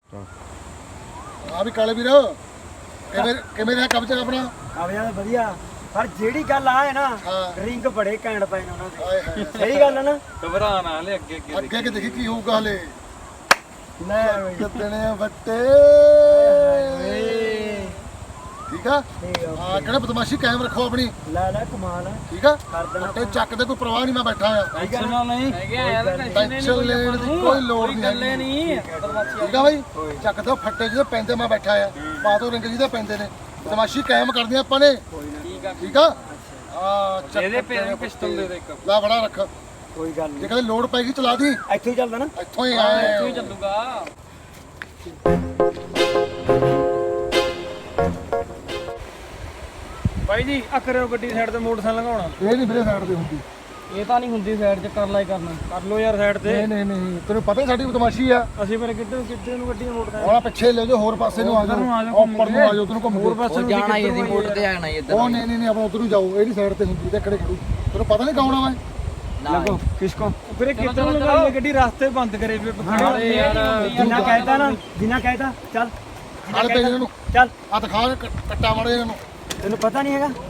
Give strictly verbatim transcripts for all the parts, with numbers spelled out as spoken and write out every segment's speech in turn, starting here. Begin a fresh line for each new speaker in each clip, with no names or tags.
ਆ ਵੀ ਕਾਲੇ ਵੀਰ ਕਿਵੇਂ ਕਿਵੇਂ ਰਿਹਾ ਕਬਜ਼ਾ ਆਪਣਾ?
ਕਾਬਿਆਂ ਵਧੀਆ, ਪਰ ਜਿਹੜੀ ਗੱਲ ਆ ਹੈ ਨਾ ਰਿੰਗ ਬੜੇ ਘੈਂਟ ਪਏ ਨੇ ਉਹਨਾਂ ਦੇ। ਸਹੀ ਗੱਲ ਹੈ ਨਾ,
ਘਬਰਾ ਨਾ ਲੈ ਅੱਗੇ ਅੱਗੇ
ਅੱਗੇ ਕਿ ਦੇਖੀ ਕੀ ਹੋਊਗਾ ਹਲੇ।
ਲੈ
ਕਿਤਨੇ ਵੱਟੇ ਠੀਕ ਆ। ਹਾਂ ਕਿਹੜਾ ਬਦਮਾਸ਼ੀ ਕਾਇਮ ਰੱਖੋ ਆਪਣੀ।
ਲੈ ਲੈ ਕਮਾਲ ਹੈ,
ਠੀਕ ਆ।
ਕਰ ਦੇਣਾ
ਵੱਟੇ ਚੱਕ ਦੇ ਕੋਈ ਪਰਵਾਹ ਨਹੀਂ, ਮੈਂ ਬੈਠਾ ਆ।
ਟੈਨਸ਼ਨ ਨਹੀਂ
ਟੈਨਸ਼ਨ ਲੈਣ ਦੀ ਕੋਈ ਲੋੜ ਨਹੀਂ
ਗੱਲੇ ਨਹੀਂ
ਠੀਕ ਆ ਬਾਈ। ਚੱਕ ਦੋ ਫੱਟੇ ਜਿਹਦੇ ਪੈਂਦੇ ਮੈਂ ਬੈਠਾ ਆ। ਪਾ ਦੋ ਰਿੰਗ ਜਿਹਦੇ ਪੈਂਦੇ ਨੇ। ਬਦਮਾਸ਼ੀ ਕਾਇਮ ਕਰਦੀਆਂ ਆਪਾਂ ਨੇ
ਠੀਕ ਆ
ਠੀਕ ਆ। ਆ ਚੱਕ
ਇਹਦੇ ਪੈਰ ਪਿਸਟਲ ਦੇ ਦੇ ਇੱਕ
ਲਾ ਬੜਾ ਰੱਖ।
ਕੋਈ ਗੱਲ
ਜੇ
ਨਹੀਂ,
ਕਦੇ ਲੋੜ ਪੈਗੀ ਚਲਾ ਦੀ।
ਇੱਥੇ ਹੀ ਚੱਲਦਾ ਨਾ।
ਇੱਥੋਂ ਹੀ ਆਏ
ਇੱਥੋਂ ਹੀ ਚੱਲੂਗਾ।
ਬਾਈ ਜੀ ਆ ਕਰਿਓ ਗੱਡੀ ਸਾਈਡ ਤੇ ਮੋਟਰਸਾਈਕਲ ਲੰਘਾਉਣਾ।
ਇਹ ਨਹੀਂ ਵੀਰੇ ਸਾਈਡ ਤੇ ਹੁੰਦੀ।
ਇਹ ਤਾਂ ਨਹੀਂ ਹੁੰਦੀ ਸਾਈਡ ਤੇ, ਕਰ ਲੈ ਕਰਨਾ ਕਰ ਲੋ ਯਾਰ ਸਾਈਡ ਤੇ।
ਨਹੀਂ ਨਹੀਂ ਨਹੀਂ ਤੈਨੂੰ ਪਤਾ ਹੀ ਸਾਡੀ ਬਦਮਾਸ਼ੀ ਆ।
ਅਸੀਂ ਫਿਰ ਕਿੱਧਰ ਕਿੱਧਰ ਨੂੰ ਗੱਡੀ ਮੋਟਰਸਾਈਕਲ
ਹੁਣ ਪਿੱਛੇ ਲੈ ਜਾਓ, ਹੋਰ ਪਾਸੇ ਨੂੰ ਆ ਜਾਓ, ਉੱਪਰ ਨੂੰ ਆ ਜਾਓ, ਤੈਨੂੰ ਘੁੰਮ
ਹੋਰ ਪਾਸੇ ਨੂੰ
ਜਾਣਾ ਇਹਦੀ ਮੋਟਰ ਤੇ ਆਣਾ ਇੱਧਰ।
ਉਹ ਨਹੀਂ ਨਹੀਂ ਨਹੀਂ ਆਪਾਂ ਉਧਰ ਨੂੰ ਜਾਓ। ਇਹਦੀ ਸਾਈਡ ਤੇ ਹੁੰਦੀ ਤੇ ਖੜੇ ਖੜੂ। ਤੈਨੂੰ ਪਤਾ ਨਹੀਂ ਕੌਣ ਆ ਮੈਂ।
ਲੱਗੋ ਕਿਸਕੋ ਵੀਰੇ ਕਿੱਧਰ ਨੂੰ ਲਗਾਈ ਗੱਡੀ, ਰਸਤੇ ਬੰਦ ਕਰੇ ਵੀ ਖੜੇ ਯਾਰ।
ਜਿੰਨਾ ਕਹਿਤਾ ਨਾ, ਜਿੰਨਾ ਕਹਿਤਾ ਚੱਲ
ਹਲ ਤੇ ਇਹਨਾਂ ਨੂੰ
ਚੱਲ।
ਆ ਦਿਖਾ ਕ- ਕੱਟਾ ਮਾਰੇ ਇਹਨਾਂ ਨੂੰ।
ਤੈਨੂੰ ਪਤਾ ਨਹੀਂ ਹੈਗਾ।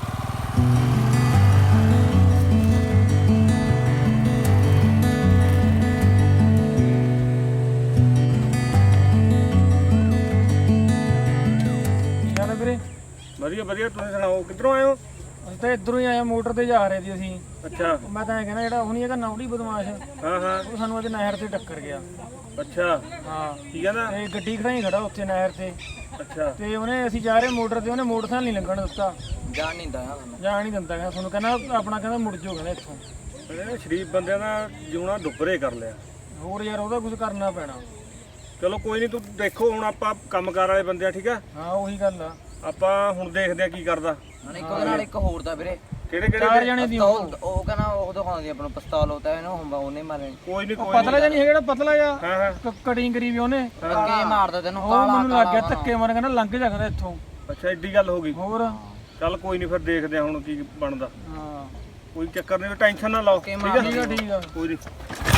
ਚੱਲ ਵੀਰੇ
ਵਧੀਆ ਵਧੀਆ, ਤੁਸੀਂ ਸੁਣਾਓ ਕਿੱਧਰੋਂ ਆਏ ਹੋ?
ਅਸੀਂ ਤਾਂ ਇੱਧਰੋਂ ਹੀ ਆਏ, ਮੋਟਰ ਤੇ ਜਾ ਰਹੇ ਸੀ ਅਸੀਂ।
ਅੱਛਾ।
ਮੈਂ ਤਾਂ ਇਹ ਕਹਿੰਦਾ ਜਿਹੜਾ ਉਹ ਨਹੀਂ ਹੈਗਾ ਨੌੜੀ ਬਦਮਾਸ਼,
ਹਾਂ ਹਾਂ
ਉਹ ਸਾਨੂੰ ਅੱਜ ਨਹਿਰ ਤੇ ਟੱਕਰ ਗਿਆ।
ਅੱਛਾ
ਹਾਂ
ਕੀ ਕਹਿੰਦਾ?
ਤੇ ਗੱਡੀ ਖੜਾਈ ਖੜਾ ਉੱਥੇ ਨਹਿਰ ਤੇ,
ਅੱਛਾ
ਤੇ ਉਹਨੇ ਅਸੀਂ ਜਾ ਰਹੇ ਮੋਟਰ ਤੇ, ਉਹਨੇ ਮੋਟਰਸਾਈਕਲ ਨਹੀਂ ਲੰਘਣ ਦਿੱਤਾ।
ਜਾਣ ਨਹੀਂ ਦਇਆ
ਜਾਣ ਨਹੀਂ ਦਿੰਦਾ, ਕਹਿੰਦਾ ਤੁਹਾਨੂੰ ਕਹਿੰਦਾ ਆਪਣਾ ਕਹਿੰਦਾ ਮੁੜ ਜਾਓ ਕਹਿੰਦਾ ਇੱਥੋਂ।
ਇਹ ਸ਼ਰੀਫ ਬੰਦਿਆਂ ਦਾ ਜਿਉਣਾ ਡੁੱਬਰੇ ਕਰ ਲਿਆ।
ਹੋਰ ਯਾਰ ਉਹਦਾ ਕੁਝ ਕਰਨਾ ਪੈਣਾ।
ਚਲੋ ਕੋਈ ਨਹੀਂ, ਤੂੰ ਦੇਖੋ ਹੁਣ ਆਪਾਂ ਕੰਮਕਾਰ ਵਾਲੇ ਬੰਦੇ ਆ ਠੀਕ ਆ।
ਹਾਂ ਉਹੀ ਗੱਲ ਆ।
ਆਪਾਂ ਹੁਣ ਦੇਖਦੇ ਆ ਕੀ ਕਰਦਾ।
ਇੱਕ ਉਹਦੇ ਨਾਲ ਇੱਕ ਹੋਰ ਦਾ ਵੀਰੇ,
ਕਿਹੜੇ
ਚਾਰ
ਕਿਹੜੇ
ਜਣੇ ਦੀ
ਉਹ ਉਹ ਕਹਿੰਦਾ ਉਹ ਦਿਖਾਉਂਦੀ ਆਪਣਾ ਪਿਸਤੌਲ ਹੁੰਦਾ ਇਹਨੂੰ ਹੁੰਦਾ ਉਹਨੇ ਮਾਰੇ।
ਕੋਈ ਨਹੀਂ ਕੋਈ
ਪਤਲਾ ਜਿਹਾ ਨਹੀਂ ਹੈਗਾ, ਜਿਹੜਾ ਪਤਲਾ ਜਿਹਾ
ਹਾਂ ਹਾਂ
ਕਟਿੰਗ ਕਰੀ ਵੀ ਉਹਨੇ,
ਅੱਗੇ ਮਾਰਦਾ ਤੈਨੂੰ
ਉਹ
ਕਾਲਾ
ਮੈਨੂੰ ਲੱਗ ਗਿਆ ਧੱਕੇ ਮਾਰ, ਕਹਿੰਦਾ ਲੰਘ ਜਾ ਕਹਿੰਦਾ ਇੱਥੋਂ।
ਅੱਛਾ ਏਡੀ ਗੱਲ ਹੋ ਗਈ।
ਹੋਰ
ਚੱਲ ਕੋਈ ਨਹੀਂ, ਫਿਰ ਦੇਖਦੇ ਆ ਹੁਣ ਕੀ ਬਣਦਾ।
ਹਾਂ
ਕੋਈ ਚੱਕਰ ਨਹੀਂ, ਟੈਨਸ਼ਨ ਨਾ ਲਓ ਠੀਕ ਆ।
ਠੀਕ ਆ ਠੀਕ ਆ।
ਕੋਈ ਨਹੀਂ।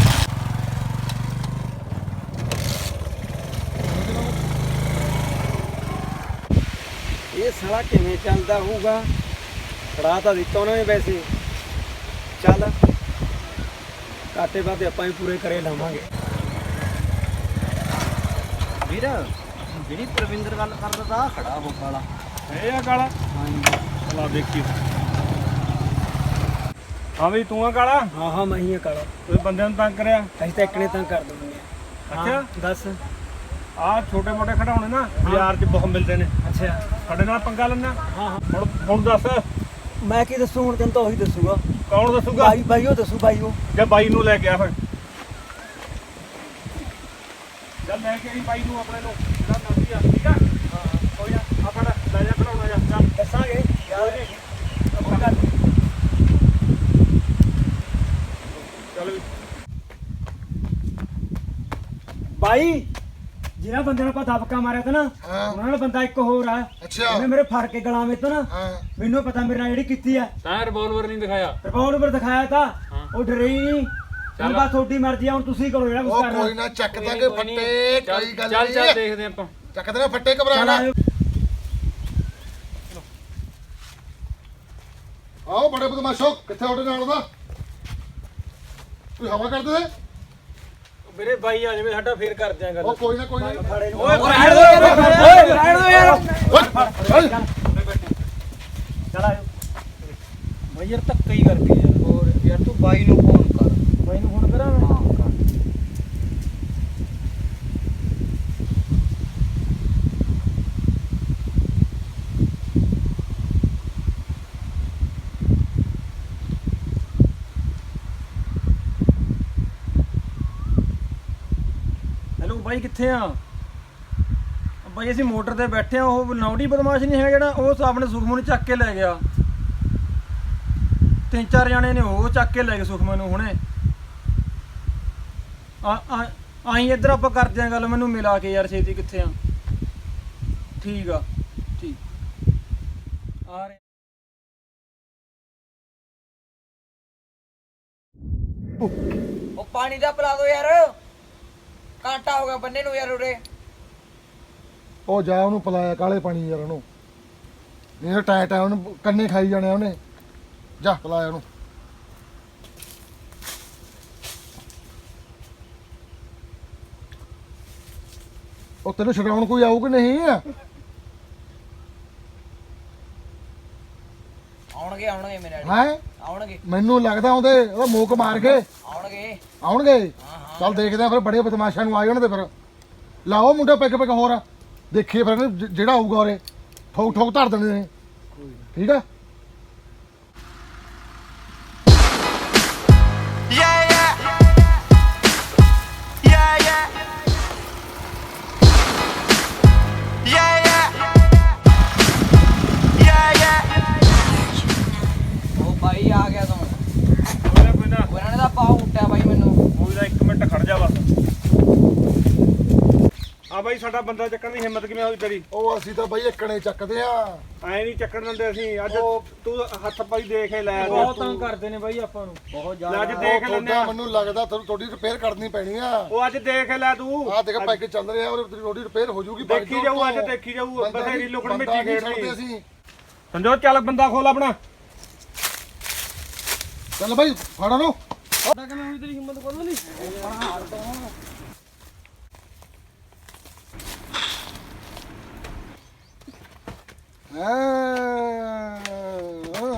ਇਹ ਸਾਲਾ ਕਿਵੇਂ ਚੱਲਦਾ ਹੋਊਗਾ? ਫੜਾ ਤਾਂ ਦਿੱਤਾ ਉਹਨਾਂ ਨੇ ਵੈਸੇ। ਚੱਲ ਕਾਟੇ ਬਾਤੇ ਆਪਾਂ ਵੀ ਪੂਰੇ ਕਰੇ ਲਾਵਾਂਗੇ।
ਵੀਰ ਜਿਹੜੀ ਪ੍ਰਵਿੰਦਰ ਗੱਲ ਕਰਦਾ ਤਾ ਖੜਾ ਹੋ ਕਾਲਾ।
ਇਹ ਆ ਕਾਲਾ? ਚਲਾ ਦੇਖੀ। ਹਾਂ ਵੀ ਤੂੰ ਆ ਕਾਲਾ?
ਹਾਂ ਹਾਂ ਮੈਂ ਹੀ ਆ ਕਾਲਾ।
ਕੋਈ ਬੰਦਿਆਂ ਨੂੰ ਤੰਗ ਕਰਿਆ?
ਅਸੀਂ ਤਾਂ ਇੱਕਨੇ ਤਾਂ ਕਰ ਦਵਾਂਗੇ।
ਅੱਛਾ
ਦੱਸ।
ਆਹ ਛੋਟੇ ਮੋਟੇ ਖਿਡੌਣੇ ਨਾ ਬਾਜ਼ਾਰ 'ਚ ਬਹੁਤ ਮਿਲਦੇ ਨੇ।
ਅੱਛਾ
ਸਾਡੇ ਨਾਲ ਪੰਗਾ ਲੈਣਾ?
ਹਾਂ ਹਾਂ।
ਹੁਣ ਹੁਣ ਦੱਸ
ਮੈਂ ਕੀ ਦੱਸੂ ਹੁਣ, ਤੈਨੂੰ ਤਾਂ ਉਹੀ ਦੱਸੂਗਾ।
ਕੌਣ ਦੱਸੂਗਾ?
ਬਾਈ ਬਾਈ ਉਹ ਦੱਸੂ, ਬਾਈ ਉਹ।
ਜਾਂ ਬਾਈ ਨੂੰ ਲੈ ਕੇ ਆ ਫਿਰ। ਚੱਲ ਲੈ ਕੇ ਆਈ ਬਾਈ ਨੂੰ ਆਪਣੇ ਨੂੰ, ਜਿਹੜਾ ਮਰਜ਼ੀ ਆ ਠੀਕ ਆ। ਹਾਂ ਕੋਈ ਨਾ, ਆ ਫੜ ਲੈ ਜਾ ਖਿਡੌਣਾ ਜਾ। ਚੱਲ
ਦੱਸਾਂਗੇ ਯਾਰ।
ਚੱਲ ਵੀ।
ਬਾਈ ਜਿਹੜਾ ਬੰਦੇ ਨੂੰ ਆਪਾਂ ਦਬਕਾ ਮਾਰਿਆ ਤਾ ਨਾ,
ਹਾਂ।
ਉਹਨਾਂ ਨਾਲ ਬੰਦਾ ਇੱਕ ਹੋਰ ਆ।
ਅੱਛਾ
ਉਹਨੇ ਮੇਰੇ ਫੜ ਕੇ ਗਲਾ ਵਿੱਚ ਨਾ,
ਹਾਂ
ਮੈਨੂੰ ਪਤਾ ਮੇਰੇ ਨਾਲ ਜਿਹੜੀ ਕੀਤੀ ਆ।
ਤਾਂ ਰਿਵਾਲਵਰ ਨਹੀਂ ਦਿਖਾਇਆ।
ਰਿਪੋਰਟ ਦਿਖਾਇਆ ਤਾਂ ਉਹ ਡਰੇ ਹੀ ਨਹੀਂ। ਹੁਣ ਬਸ ਤੁਹਾਡੀ ਮਰਜ਼ੀ ਆ, ਹੁਣ ਤੁਸੀਂ ਕਰੋ ਜਿਹੜਾ ਕੁਝ
ਉਹ
ਕਰਨਾ।
ਕੋਈ ਨਾ ਚੱਕ ਦਾਂਗੇ ਫੱਟੇ। ਕੋਈ ਗੱਲ
ਚੱਲ ਚੱਲ
ਨਹੀਂ,
ਦੇਖਦੇ ਆਪਾਂ।
ਚੱਕ ਦੇ ਫੱਟੇ ਘਬਰਾ
ਚੱਲ
ਨਾ।
ਆਇਓ।
ਆਓ ਬੜੇ ਬਦਮਾਸ਼ੋ, ਕਿੱਥੇ ਤੁਹਾਡੇ ਨਾਲ ਦਾ? ਕੋਈ ਹਵਾ ਕਰਦੇ ਨੇ?
ਵੀਰੇ ਬਾਈ ਆ ਜਾਵੇ ਸਾਡਾ, ਫੇਰ ਕਰਦੇ ਆਂ ਗੱਲ।
ਉਹ ਕੋਈ ਨਾ ਕੋਈ ਨਾ।
ਫੜੇ ਨੂੰ।
ਓਏ ਰਹਿਣ ਦੋ ਯਾਰ, ਓਏ ਰਹਿਣ ਦੋ ਯਾਰ।
ਓਏ,
ਚੱਲ ਆਇਓ।
ਬਾਈ ਯਾਰ ਧੱਕਾ ਹੀ ਕਰਕੇ ਯਾਰ।
ਹੋਰ ਯਾਰ ਤੂੰ ਬਾਈ ਨੂੰ ਫੋਨ ਕਰ।
ਬਾਈ ਨੂੰ ਫੋਨ ਕਰਾਂ ਮੈਂ?
ਹਾਂ ਕਰ।
ਹੈਲੋ ਬਾਈ ਕਿੱਥੇ ਆ? ਬਾਈ ਅਸੀਂ ਮੋਟਰ ਤੇ ਬੈਠੇ ਆ, ਉਹ ਨੌੜੀ ਬਦਮਾਸ਼ ਨਹੀਂ ਹੈਗਾ ਜਿਹੜਾ, ਉਹ ਆਪਣੇ ਸੁਖਮਨ ਨੂੰ ਚੱਕ ਕੇ ਲੈ ਗਿਆ। ਤਿੰਨ ਚਾਰ ਜਣੇ ਨੇ ਉਹ ਚੱਕ ਕੇ ਲੈ ਗਏ ਸੁਖਮਨ ਨੂੰ ਹੁਣੇ। ਆ ਆ ਆਈ ਇੱਧਰ ਆਪਾਂ ਕਰਦੇ ਆਂ ਗੱਲ, ਮੈਨੂੰ ਮਿਲਾ ਕੇ ਯਾਰ ਛੇਤੀ। ਕਿੱਥੇ ਆ? ਠੀਕ ਆ ਠੀਕ ਆ ਰਹੇ।
ਉਹ ਪਾਣੀ ਦਾ ਪਿਲਾ ਦੋ ਯਾਰ, ਕਾਂਟਾ ਹੋ ਗਿਆ ਬੰਨੇ ਨੂੰ ਯਾਰ ਉਰੇ।
ਉਹ ਜਾ ਉਹਨੂੰ ਪਲਾਇਆ ਕਾਲੇ ਪਾਣੀ ਯਾਰ ਉਹਨੂੰ ਨਹੀਂ ਟਾਇਟ ਆ ਉਹਨੂੰ ਕੰਨੇ ਖਾਈ ਜਾਣੇ ਉਹਨੇ ਜਾ ਪਲਾਇਆ ਉਹਨੂੰ ਉਹ ਤੈਨੂੰ ਛਡਾਉਣ ਕੋਈ ਆਊ ਕਿ ਨਹੀਂ
ਆਉਣਗੇ ਆਉਣਗੇ ਮੇਰੇ ਡੈਡੀ
ਹੈ
ਆਉਣਗੇ
ਮੈਨੂੰ ਲੱਗਦਾ ਉਹਦੇ ਉਹਦਾ ਮੂਕ ਮਾਰ ਕੇ
ਆਉਣਗੇ
ਆਉਣਗੇ ਚੱਲ ਦੇਖਦੇ ਆ ਫਿਰ ਬੜੇ ਬਦਮਾਸ਼ਾਂ ਨੂੰ ਆ ਜਾਣ ਤੇ ਫਿਰ ਲਾਓ ਮੁੰਡਾ ਪਿੱਕ ਪਿੱਕ ਹੋਰ ਦੇਖੀਏ ਫਿਰ ਇਹਨੂੰ ਜ- ਜਿਹੜਾ ਆਊਗਾ ਉਰੇ ਠੋਕ ਠੋਕ ਧਰ ਦੇਣੇ ਨੇ ਠੀਕ ਆ
ਉਹ ਬਾਈ ਆ ਗਿਆ ਤੂੰ
ਕੋਈ ਨਾ ਕੋਈ ਨਾ
ਉਹਨਾਂ ਨੇ ਤਾਂ ਪਾਉ ਉੱਟਿਆ ਬਾਈ ਮੈਨੂੰ
ਕੋਈ ਨਾ ਇੱਕ ਮਿੰਟ ਖੜ ਜਾ ਬਸ ਹਾਂ ਬਾਈ ਸਾਡਾ ਬੰਦਾ ਚੱਕਣ ਦੀ ਹਿੰਮਤ ਕਿਵੇਂ ਹੋਈ ਤੇਰੀ
ਉਹ ਅਸੀਂ ਤਾਂ ਬਈ ਇੱਕਣੇ ਚੱਕਦੇ ਆ
ਐ ਨਹੀਂ ਚੱਕਣ ਦਿੰਦੇ ਅਸੀਂ ਅੱਜ ਤੂੰ ਹੱਥ ਪਾਈ ਦੇਖ ਹੀ ਲੈ
ਬਹੁਤ ਤੰਗ ਕਰਦੇ ਨੇ ਬਾਈ ਆਪਾਂ ਨੂੰ ਬਹੁਤ
ਲੈ ਅੱਜ ਦੇਖ ਲੈਂਦੇ
ਤੁਹਾਡਾ
ਆ
ਮੈਨੂੰ ਲੱਗਦਾ ਤੁਹਾਨੂੰ ਤੁਹਾਡੀ ਰਿਪੇਅਰ ਕਰਨੀ ਪੈਣੀ ਆ
ਉਹ ਅੱਜ ਦੇਖ ਲੈ ਤੂੰ
ਆਹ ਦੇਖ ਪੈਕ ਚੱਲ ਰਿਹਾ ਔਰ ਤੁਹਾਡੀ ਰਿਪੇਅਰ ਹੋ ਜਾਊਗੀ
ਦੇਖੀ ਜਾਊ ਅੱਜ ਦੇਖੀ ਜਾਊ
ਬੰਦਾ
ਬਥੇਰੀ
ਨਹੀਂ-
ਲੁਕਣ
ਬੰਦਾ
ਮਿੱਟੀ
ਨਹੀਂ
ਖੇਡਦੀ
ਛੱਡਦੇ ਅਸੀਂ
ਸੰਜੋ ਚੱਲ ਬੰਦਾ ਖੋਲ ਆਪਣਾ
ਚੱਲ ਬਾਈ ਫੜਾ ਲਓ
ਪਤਾ ਕਿਵੇਂ ਹੋਈ ਤੇਰੀ ਹਿੰਮਤ ਕੋਲ ਨਹੀਂ
ਹਾਂ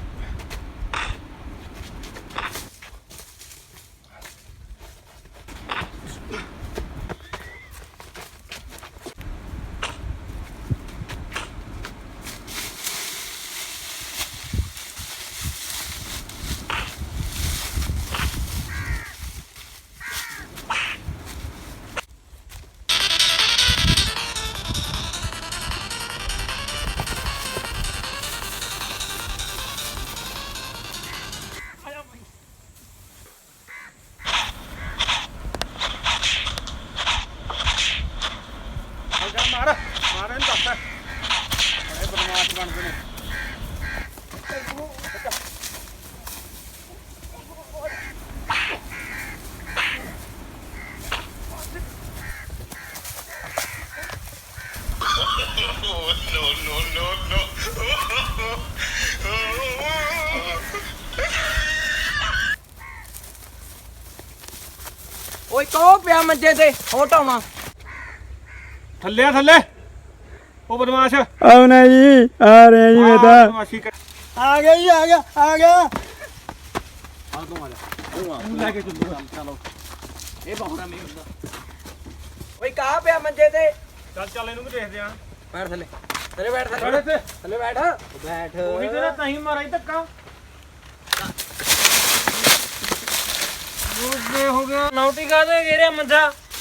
ਮਾਰ ਮਾਰ ਇਹਨੂੰ ਦੱਸ ਬੜੇ ਬਦਮਾਸ਼ ਬਣਦੇ ਨੇ
ਓਏ ਕੋ ਪਿਆ ਮੰਜੇ ਤੇ ਹਟਾਉਣਾ
ਥੱਲੇ ਆ ਥੱਲੇ ਉਹ ਬਦਮਾਸ਼
ਆਉਣਾ ਜੀ ਆ ਰਹੇ ਜੀ ਮੈਂ ਤਾਂ
ਬਦਮਾਸ਼ੀ ਕਰ
ਆ ਗਿਆ ਜੀ ਆ ਗਿਆ ਆ ਗਿਆ
ਲੈ ਕੇ ਚੱਲੂਗਾ
ਚਲੋ ਇਹ ਬਹੁਰਾ ਮੇ ਹੁੰਦਾ ਓਏ ਕਾ ਪਿਆ ਮੰਜੇ ਤੇ
ਚੱਲ ਚੱਲ ਇਹਨੂੰ ਵੀ ਦੇਖਦੇ ਆ
ਬੈਠ ਥੱਲੇ ਥੱਲੇ ਬੈਠ
ਬੜੇ
ਥੱਲੇ
ਤੇ
ਥੱਲੇ ਬੈਠ ਬੈਠ
ਉਹੀ ਤੇ ਨਾ ਤਾਂ ਹੀ ਮਾਰਾ ਹੀ ਧੱਕਾ ਉਹ ਹੋ ਗਿਆ ਨੌਟੀ ਕਾ ਦੇ ਗੇਰੇ ਮੰਜਾ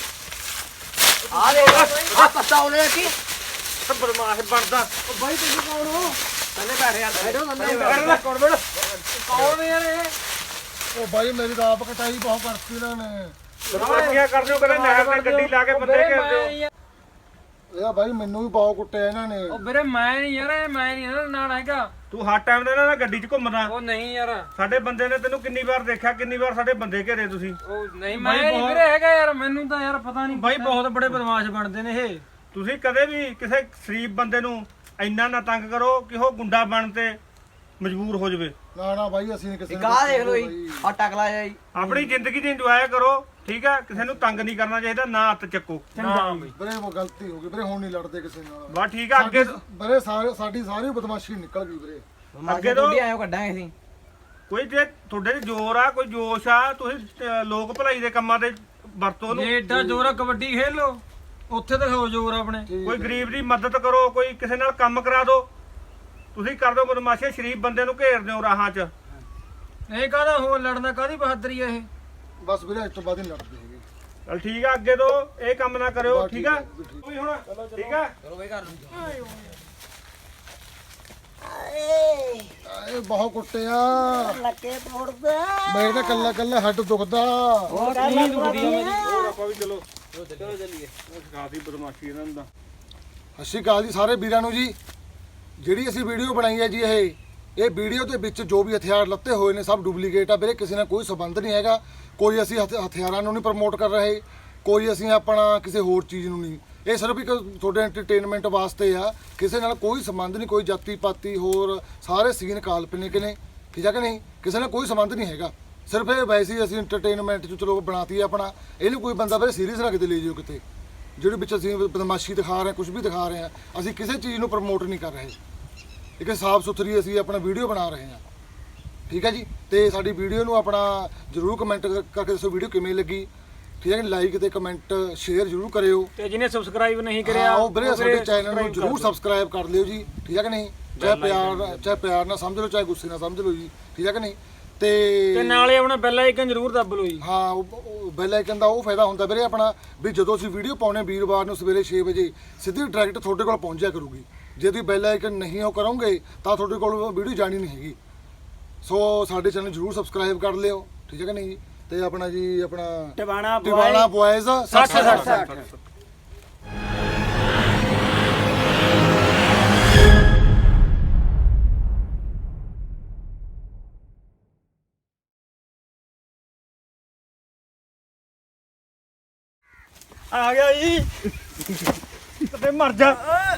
ਆ ਦੇ ਆ ਪੱਤਾ ਉਹਨੇ ਕੀ
ਬਦਮਾਸ਼ ਬਣਦਾ
ਉਹ ਬਾਈ ਤੁਸੀਂ ਕੌਣ ਹੋ
ਥੱਲੇ ਬੈਠ ਯਾਰ ਬੈਠੋ ਥੱਲੇ
ਕਰ ਲੈ ਕੌਣ ਬਣ
ਕੌਣ ਯਾਰ ਇਹ
ਉਹ ਬਾਈ ਮੇਰੀ ਤਾਂ ਆਪ ਕਟਾਈ ਬਹੁਤ ਕਰਤੀ ਇਹਨਾਂ ਨੇ
ਬਦਮਾਸ਼ੀਆਂ ਕਰਦੇ ਹੋ ਕਦੇ ਨਹਿਰ ਤੇ ਗੱਡੀ ਲਾ ਕੇ ਬੰਦੇ ਘੇਰਦੇ ਹੋ
ਇਹ ਬਾਈ ਮੈਨੂੰ ਵੀ ਬਹੁਤ ਕੁੱਟਿਆ ਇਹਨਾਂ ਨੇ
ਉਹ ਵੀਰੇ ਮੈਂ ਨਹੀਂ ਯਾਰ ਇਹ ਮੈਂ ਨਹੀਂ ਇਹਦਾ ਨਾਲ ਹੈਗਾ
ਤੂੰ ਹਰ ਟਾਈਮ ਦੇ ਇਹਨਾਂ ਨਾਲ ਗੱਡੀ 'ਚ ਘੁੰਮਦਾ
ਉਹ ਨਹੀਂ ਯਾਰ
ਸਾਡੇ ਬੰਦੇ ਨੇ ਤੈਨੂੰ ਕਿੰਨੀ ਵਾਰ ਦੇਖਿਆ ਕਿੰਨੀ ਵਾਰ ਸਾਡੇ ਬੰਦੇ ਘੇਰੇ ਤੁਸੀਂ
ਉਹ ਨਹੀਂ ਮੈਂ ਨਹੀਂ ਵੀਰੇ ਹੈਗਾ ਯਾਰ ਮੈਨੂੰ ਤਾਂ ਯਾਰ ਪਤਾ ਨਹੀਂ ਬਾਈ ਬਹੁਤ ਬੜੇ ਬਦਮਾਸ਼ ਬਣਦੇ ਨੇ ਇਹ
ਤੁਸੀਂ ਕਦੇ ਵੀ ਕਿਸੇ ਸ਼ਰੀਫ ਬੰਦੇ ਨੂੰ ਇੰਨਾ ਨਾ ਤੰਗ ਕਰੋ ਕਿ ਉਹ ਗੁੰਡਾ ਬਣ ਤੇ ਮਜਬੂਰ ਹੋ ਜਾਵੇ
ਨਾ ਨਾ ਬਾਈ ਅਸੀਂ ਨੀ ਕਿਸੇ ਨੂੰ
ਕਾ ਦੇਖ ਲੋ
ਕੁੱਟਦੇ
ਜੀ
ਬਾਈ।
ਆ ਟਕਲਾ ਜਾਈ
ਆਪਣੀ ਜ਼ਿੰਦਗੀ ਦੀ ਇੰਜੋਏ ਕਰੋ ਠੀਕ ਹੈ ਕਿਸੇ ਨੂੰ ਤੰਗ ਨਹੀਂ ਕਰਨਾ ਚਾਹੀਦਾ ਨਾ ਹੱਥ ਚੱਕੋ
ਚੰਗਾ ਬਈ
ਵੀਰੇ ਉਹ ਗਲਤੀ ਹੋ ਗਈ ਵੀਰੇ ਹੁਣ ਨਹੀਂ ਲੜਦੇ ਕਿਸੇ ਨਾਲ
ਬਸ ਠੀਕ ਹੈ ਅੱਗੇ
ਵੀਰੇ ਸਾਰੇ ਸਾਡੀ ਸਾਰੀ ਬਦਮਾਸ਼ੀ ਨਿਕਲ ਗਈ ਵੀਰੇ
ਅੱਗੇ ਤੋਂ
ਅੱਗੇ ਆਇਓ ਕੱਢਾਂਗੇ ਅਸੀਂ
ਕੋਈ ਜੇ ਤੁਹਾਡੇ 'ਚ ਜ਼ੋਰ ਆ ਕੋਈ ਜੋਸ਼ ਆ ਤੁਸੀਂ ਅਹ, ਲੋਕ ਭਲਾਈ ਦੇ ਕੰਮਾਂ ਤੇ ਵਰਤੋ ਨੂੰ
ਜੇ ਏਡਾ ਜ਼ੋਰ ਆ ਕਬੱਡੀ ਖੇਲ ਲੋ ਉੱਥੇ ਦਿਖਾਓ ਜ਼ੋਰ ਆਪਣੇ
ਠੀਕ
ਕੋਈ ਗਰੀਬ ਦੀ ਮਦਦ ਕਰੋ ਕੋਈ ਕਿਸੇ ਨਾਲ ਕੰਮ ਕਰਾ ਦਿਓ ਤੁਸੀਂ ਕਰ ਦਿਓ ਬਦਮਾਸ਼ੀ ਸ਼ਰੀਫ ਬੰਦੇ ਨੂੰ ਘੇਰਦੇ ਹੋ ਰਾਹਾਂ 'ਚ
ਇਹ ਕਾਹਦਾ ਹੋ ਲੜਨਾ ਕਾਹਦੀ ਬਹਾਦਰੀ ਆ ਇਹ
ਬਸ ਵੀਰੇ ਅੱਜ ਤੋਂ ਬਾਅਦ ਨਹੀਂ ਲੜਦੇ ਹੈਗੇ
ਚਲ ਠੀਕ ਆ ਅੱਗੇ ਤੋਂ ਇਹ ਕੰਮ ਨਾ ਕਰਿਓ
ਬਸ
ਠੀਕ ਆ
ਠੀਕ ਹੈ, ਠੀਕ।
ਕੋਈ ਹੁਣ ਠੀਕ ਆ
ਚਲੋ ਬਈ ਕਰ ਲਓ
ਇਹ ਬਹੁਤ ਕੁੱਟਿਆ ਲੱਕੇ ਤੋੜਦਾ ਮੇਰੇ ਤਾਂ ਕੱਲਾ ਕੱਲਾ ਹੱਡ ਦੁਖਦਾ
ਬਹੁਤ ਨਹੀਂ ਦੁਖਦੀ ਆ ਮੇਰੀ
ਹੋਰ ਆਪਾਂ ਵੀ ਚਲੋ ਚਲੋ ਚੱਲੀਏ ਖਾਸੀ ਬਦਮਾਸ਼ੀ ਇਹਨਾਂ ਦਾ
ਸਤਿ ਸ਼੍ਰੀ ਅਕਾਲ ਜੀ ਸਾਰੇ ਵੀਰਾਂ ਨੂੰ ਜੀ ਜਿਹੜੀ ਅਸੀਂ ਵੀਡੀਓ ਬਣਾਈ ਹੈ ਜੀ ਇਹ ਇਹ ਵੀਡੀਓ ਦੇ ਵਿੱਚ ਜੋ ਵੀ ਹਥਿਆਰ ਲੱਤੇ ਹੋਏ ਨੇ ਸਭ ਡੁਪਲੀਕੇਟ ਆ ਵੀਰੇ ਕਿਸੇ ਨਾਲ ਕੋਈ ਸੰਬੰਧ ਨਹੀਂ ਹੈਗਾ ਕੋਈ ਅਸੀਂ ਹਥ- ਹਥਿਆਰਾਂ ਨੂੰ ਨਹੀਂ ਪ੍ਰਮੋਟ ਕਰ ਰਹੇ ਕੋਈ ਅਸੀਂ ਆਪਣਾ ਕਿਸੇ ਹੋਰ ਚੀਜ਼ ਨੂੰ ਨਹੀਂ ਇਹ ਸਿਰਫ ਇੱਕ ਤੁਹਾਡੇ ਐਂਟਰਟੇਨਮੈਂਟ ਵਾਸਤੇ ਆ, ਕਿਸੇ ਨਾਲ ਕੋਈ ਸੰਬੰਧ ਨਹੀਂ, ਕੋਈ ਜਾਤੀ ਪਾਤੀ ਹੋਰ ਸਾਰੇ ਸੀਨ ਕਾਲਪਨਿਕ ਨੇ, ਠੀਕ ਆ ਕਿ ਨਹੀਂ, ਕਿਸੇ ਨਾਲ ਕੋਈ ਸੰਬੰਧ ਨਹੀਂ ਹੈਗਾ, ਸਿਰਫ ਇਹ ਵੈਸੇ ਹੀ ਅਸੀਂ ਐਂਟਰਟੇਨਮੈਂਟ 'ਚ ਚਲੋ ਬਣਾਤੀ ਆਪਣਾ, ਇਹਨੂੰ ਕੋਈ ਬੰਦਾ ਫਿਰ ਸੀਰੀਅਸ ਨਾ ਕਿਤੇ ਲੈ ਜਾਓ ਕਿਤੇ, ਜਿਹੜੇ ਵਿੱਚ ਅਸੀਂ ਬਦਮਾਸ਼ੀ ਦਿਖਾ ਰਹੇ ਕੁਝ ਵੀ ਦਿਖਾ ਰਹੇ ਹਾਂ, ਅਸੀਂ ਕਿਸੇ ਚੀਜ਼ ਨੂੰ ਪ੍ਰਮੋਟ ਨਹੀਂ ਕਰ ਰਹੇ, ਇੱਕ ਸਾਫ ਸੁਥਰੀ ਅਸੀਂ ਆਪਣਾ ਵੀਡੀਓ ਬਣਾ ਰਹੇ ਹਾਂ, ਠੀਕ ਹੈ ਜੀ। ਤੇ ਸਾਡੀ ਵੀਡੀਓ ਨੂੰ ਆਪਣਾ ਜਰੂਰ ਕਮੈਂਟ ਕਰਕੇ ਦੱਸੋ ਵੀਡੀਓ ਕਿਵੇਂ ਲੱਗੀ, ਠੀਕ ਹੈ, ਲਾਈਕ ਤੇ ਕਮੈਂਟ ਸ਼ੇਅਰ ਜਰੂਰ ਕਰਿਓ,
ਤੇ ਜਿਹਨੇ ਸਬਸਕ੍ਰਾਈਬ ਨਹੀਂ ਕਰਿਆ
ਉਹ ਵੀਰੇ ਸਾਡੇ ਚੈਨਲ ਨੂੰ ਜਰੂਰ ਸਬਸਕ੍ਰਾਈਬ ਕਰ ਲਿਓ ਜੀ, ਠੀਕ ਹੈ ਕਿ ਨਹੀਂ, ਚਾਹੇ ਪਿਆਰ ਚਾਹੇ ਪਿਆਰ ਨਾਲ ਸਮਝ ਲਓ ਚਾਹੇ ਗੁੱਸੇ ਨਾਲ ਸਮਝ ਲਓ ਜੀ, ਠੀਕ ਹੈ ਕਿ ਨਹੀਂ। ਤੇ
ਤੇ ਨਾਲੇ ਆਪਣਾ ਬੈਲ ਆਈਕਨ ਜ਼ਰੂਰ ਦੱਬ ਲਓ ਜੀ।
ਹਾਂ ਬੈਲ ਆਈਕਨ ਦਾ ਉਹ ਫਾਇਦਾ ਹੁੰਦਾ ਵੀਰੇ ਆਪਣਾ ਵੀ ਜਦੋਂ ਅਸੀਂ ਵੀਡੀਓ ਪਾਉਣੇ ਵੀਰਵਾਰ ਨੂੰ ਸਵੇਰੇ ਛੇ ਵਜੇ ਸਿੱਧੀ ਡਾਇਰੈਕਟ ਤੁਹਾਡੇ ਕੋਲ ਪਹੁੰਚਿਆ ਕਰੂਗੀ, ਜੇ ਤੁਸੀਂ ਬੈਲ ਆਈਕਨ ਨਹੀਂ ਉਹ ਕਰੋਗੇ ਤਾਂ ਤੁਹਾਡੇ ਕੋਲ ਵੀਡੀਓ ਜਾਣੀ ਨਹੀਂ ਹੈਗੀ। ਸੋ ਸਾਡੇ ਚੈਨਲ ਜਰੂਰ ਸਬਸਕ੍ਰਾਈਬ ਕਰ ਲਿਓ, ਠੀਕ ਹੈ ਕਿ ਨਹੀਂ ਜੀ। ਤੇ ਆਪਣਾ ਜੀ ਆਪਣਾ
ਟਿਵਾਣਾ
ਟਿਵਾਣਾ ਬॉयਜ਼
ਸੱਠ ਸੱਠ ਸੱਠ
ਆ ਗਿਆ ਜੀ, ਤੇ ਮਰ ਜਾ।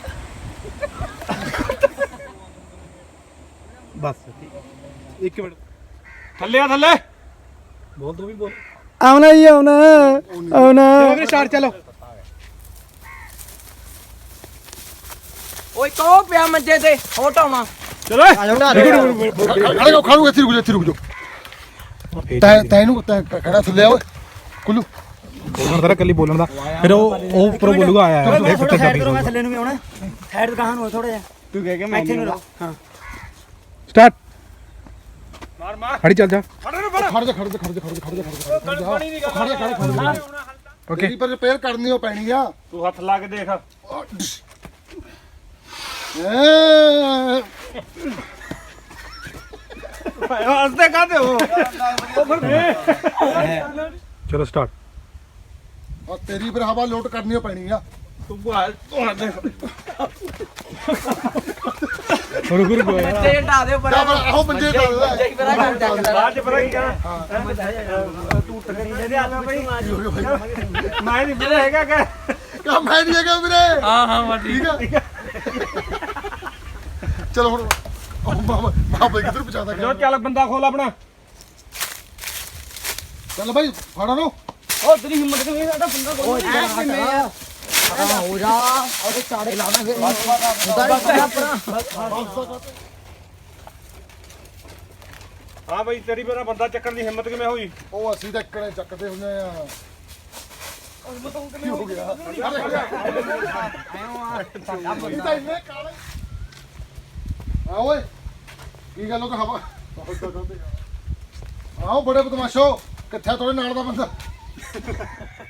ਬਸ ਇੱਕ ਮਿੰਟ ਥੱਲੇ ਆ ਥੱਲੇ ਬੋਲ ਤੂੰ ਵੀ ਬੋਲ
ਆਉਣਾ ਜੀ ਆਉਣਾ ਆਉਣਾ
ਚਲੋ ਸਟਾਰਟ ਚਲੋ
ਓਏ ਕੋ ਪਿਆ ਮੰਜੇ ਤੇ ਹੋ ਟਾਉਣਾ
ਚਲੋ
ਖੜੇ ਹੋ ਖੜੂ ਇੱਥੇ ਰੁਕ ਜਾ ਇੱਥੇ ਰੁਕ ਜਾ ਤੈ ਤੈਨੂੰ ਤੈ ਖੜਾ ਥੱਲੇ ਆ ਓਏ ਕੁੱਲੂ
ਬੋਲਣ ਦਾ ਕੱਲੀ ਬੋਲਣ ਦਾ ਫਿਰ ਉਹ ਉਹ ਉੱਪਰੋਂ ਬੋਲੂਗਾ ਆਇਆ
ਮੈਂ ਥੋੜਾ ਸਾਈਡ ਕਰੋ, ਮੈਂ ਥੱਲੇ ਨੂੰ ਵੀ ਆਉਣਾ, ਸਾਈਡ ਕਹਾਂ ਨੂੰ ਥੋੜਾ ਜਿਹਾ
ਤੂੰ ਕਹਿ ਕੇ ਮੈਂ
ਇੱਥੇ ਨੂੰ ਰਹੋ। ਹਾਂ
ਸਟਾਰਟ ਮਾਰ ਮਾਰ ਖੜੀ ਚੱਲ ਜਾ
ਖੜ ਜਾ ਖੜ ਜਾ ਖੜ ਜਾ ਖੜ ਜਾ ਖੜ ਜਾ ਖੜ ਜਾ ਖੜ ਜਾ ਖੜ ਜਾ ਖੜ ਜਾ ਓਕੇ ਪਰ ਰਿਪੇਅਰ ਕਰਨੀ ਉਹ ਪੈਣੀ ਆ।
ਤੂੰ ਹੱਥ ਲਾ ਕੇ ਦੇਖ
ਹੱਸਦੇ ਕਾਹਦੇ ਹੋ?
ਚਲੋ ਸਟਾਰਟ
ਆ ਤੇਰੀ ਫਿਰ ਹਵਾ ਲੋਟ ਕਰਨੀ ਉਹ ਪੈਣੀ ਆ।
ਤੂੰ ਬਾਹਰ ਤੂੰ ਹੱਥ ਰੁਕ ਰੁਕ
ਮੰਜੇ ਢਾ ਦੇ ਪਰ
ਜਾ ਫਿਰ ਆਹੋ ਮੰਜੇ ਦਾ
ਜਈ ਬਰਾ ਕਰ ਚੱਕਦਾ
ਬਾਅਦ ਚ ਪਤਾ ਕੀ ਕਹਿਣਾ ਮੈਂ ਨਹੀਂ ਪਤਾ ਹੈਗਾ ਕਿ
ਕਾ ਮੈਂ ਨਹੀਂ ਹੈਗਾ ਵੀਰੇ।
ਹਾਂ ਹਾਂ ਵਾ
ਠੀਕ ਆ ਚਲੋ ਹੁਣ ਉਹ ਮਾਮਾ ਮਾਪੇ ਕਿੱਧਰ ਪਹੁੰਚਾਦਾ
ਜੋ ਚੱਲ ਬੰਦਾ ਖੋਲ ਆਪਣਾ
ਚੱਲ ਭਾਈ ਫੜਾ ਲਓ।
ਉਹ ਤੇਰੀ ਹਿੰਮਤ ਕਿਵੇਂ ਸਾਡਾ ਬੰਦਾ ਕੋਲ ਹਾਂ ਹੋ ਜਾ ਉਹਦੇ ਚਾੜੇ ਲਾਵਾਂਗੇ
ਹਾਂ ਬਈ ਤੇਰੀ ਮੇਰਾ ਬੰਦਾ ਚੱਕਣ ਦੀ ਹਿੰਮਤ ਕਿਵੇਂ ਹੋਈ
ਉਹ ਅਸੀਂ ਤਾਂ ਇੱਕੜੇ ਚੱਕਦੇ ਹੁੰਦੇ ਆ। ਕੀ ਹੋ ਗਿਆ ਇਹ ਤਾਂ ਇੰਨੇ ਕਾਲੇ ਆ ਓਏ ਕੀ ਗੱਲ ਉਹ ਤਾਂ ਹਵਾ ਆਓ ਬੜੇ ਬਦਮਾਸ਼ੋ ਕਿੱਥੇ ਤੁਹਾਡੇ ਨਾਲ ਦਾ ਬੰਦਾ